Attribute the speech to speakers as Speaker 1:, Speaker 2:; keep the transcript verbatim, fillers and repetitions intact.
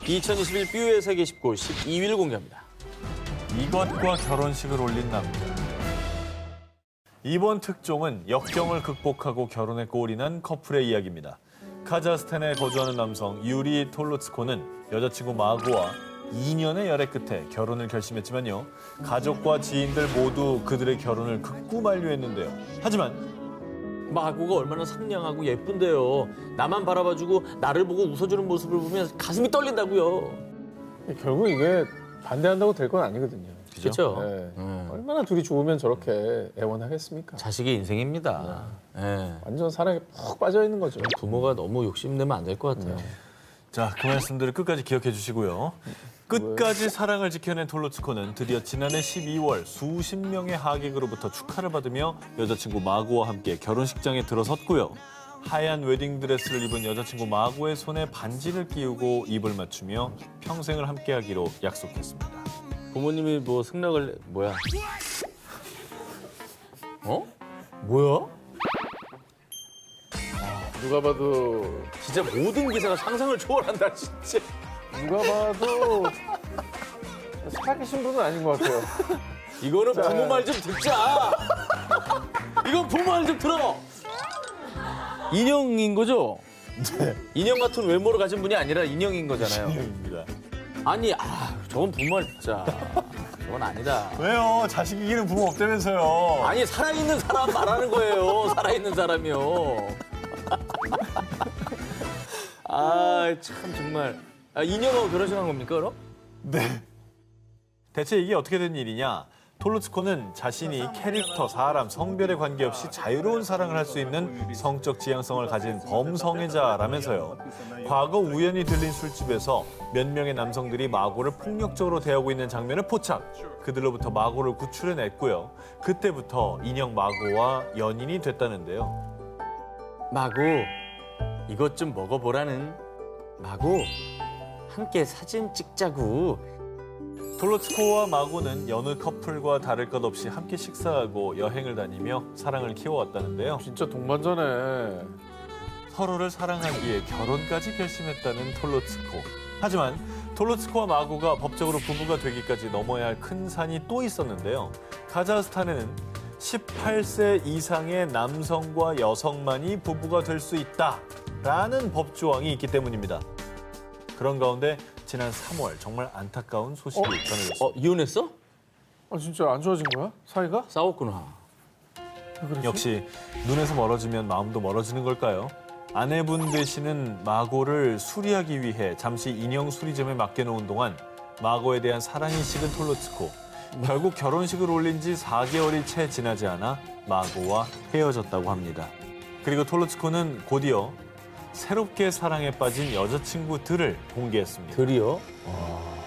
Speaker 1: 이천이십일 뷰의 세계 십 골 십이 위를 공개합니다.
Speaker 2: 이것과 결혼식을 올린 남자. 이번 특종은 역경을 극복하고 결혼에 꼴이 난 커플의 이야기입니다. 카자흐스탄에 거주하는 남성 유리 톨로츠코는 여자친구 마고와 이 년의 열애 끝에 결혼을 결심했지만요. 가족과 지인들 모두 그들의 결혼을 극구 만류했는데요. 하지만
Speaker 1: 마고가 얼마나 상냥하고 예쁜데요. 나만 바라봐주고 나를 보고 웃어주는 모습을 보면 가슴이 떨린다고요.
Speaker 3: 결국 이게 반대한다고 될 건 아니거든요.
Speaker 1: 그렇죠?
Speaker 3: 네.
Speaker 1: 음.
Speaker 3: 얼마나 둘이 좋으면 저렇게 애원하겠습니까?
Speaker 1: 자식의 인생입니다. 예.
Speaker 3: 완전 사랑에 푹 빠져 있는 거죠.
Speaker 1: 부모가 너무 욕심내면 안 될 것 같아요.
Speaker 2: 자, 그 말씀들을 끝까지 기억해 주시고요. 끝까지 사랑을 지켜낸 톨로츠코는 드디어 지난해 십이월 수십 명의 하객으로부터 축하를 받으며 여자친구 마고와 함께 결혼식장에 들어섰고요. 하얀 웨딩드레스를 입은 여자친구 마고의 손에 반지를 끼우고 입을 맞추며 평생을 함께하기로 약속했습니다.
Speaker 1: 부모님이 뭐 승낙을 뭐야? 어? 뭐야?
Speaker 3: 누가 봐도
Speaker 1: 진짜 모든 기사가 상상을 초월한다 진짜.
Speaker 3: 누가 봐도 사귀신 분은 아닌 것 같아요.
Speaker 1: 이거는 부모 말 좀 듣자. 이건 부모 말 좀 들어. 인형인 거죠?
Speaker 2: 네.
Speaker 1: 인형 같은 외모를 가진 분이 아니라 인형인 거잖아요.
Speaker 2: 인형입니다.
Speaker 1: 아니, 아, 저건 부모 말 듣자. 저건 아니다.
Speaker 2: 왜요? 자식 이기는 부모 없다면서요.
Speaker 1: 아니, 살아있는 사람 말하는 거예요. 살아있는 사람이요. 아, 참 정말. 아, 인형하고 결혼식 한 겁니까, 그럼?
Speaker 2: 네. 대체 이게 어떻게 된 일이냐? 톨로츠코는 자신이 캐릭터, 사람, 성별에 관계없이 자유로운 사랑을 할 수 있는 성적 지향성을 가진 범성애자라면서요. 과거 우연히 들린 술집에서 몇 명의 남성들이 마고를 폭력적으로 대하고 있는 장면을 포착. 그들로부터 마고를 구출해냈고요. 그때부터 인형 마고와 연인이 됐다는데요.
Speaker 1: 마고, 이것 좀 먹어보라는. 마고, 함께 사진 찍자고.
Speaker 2: 톨로츠코와 마고는 여느 커플과 다를 것 없이 함께 식사하고 여행을 다니며 사랑을 키워왔다는데요.
Speaker 3: 진짜 동반자네.
Speaker 2: 서로를 사랑하기에 결혼까지 결심했다는 톨로츠코. 하지만 톨로츠코와 마고가 법적으로 부부가 되기까지 넘어야 할 큰 산이 또 있었는데요. 카자흐스탄에는 십팔 세 이상의 남성과 여성만이 부부가 될 수 있다라는 법 조항이 있기 때문입니다. 그런 가운데 지난 삼월 정말 안타까운 소식이 전해졌습니다.
Speaker 1: 어, 이혼했어?
Speaker 3: 아 진짜 안 좋아진 거야? 사이가?
Speaker 1: 싸웠구나.
Speaker 3: 왜 그러지?
Speaker 2: 역시 눈에서 멀어지면 마음도 멀어지는 걸까요? 아내분 되시는 마고를 수리하기 위해 잠시 인형 수리점에 맡겨놓은 동안 마고에 대한 사랑이 식은 톨로츠코. 결국 결혼식을 올린 지 사 개월이 채 지나지 않아 마고와 헤어졌다고 합니다. 그리고 톨로츠코는 곧이어 새롭게 사랑에 빠진 여자친구들을 공개했습니다.
Speaker 1: 들이요?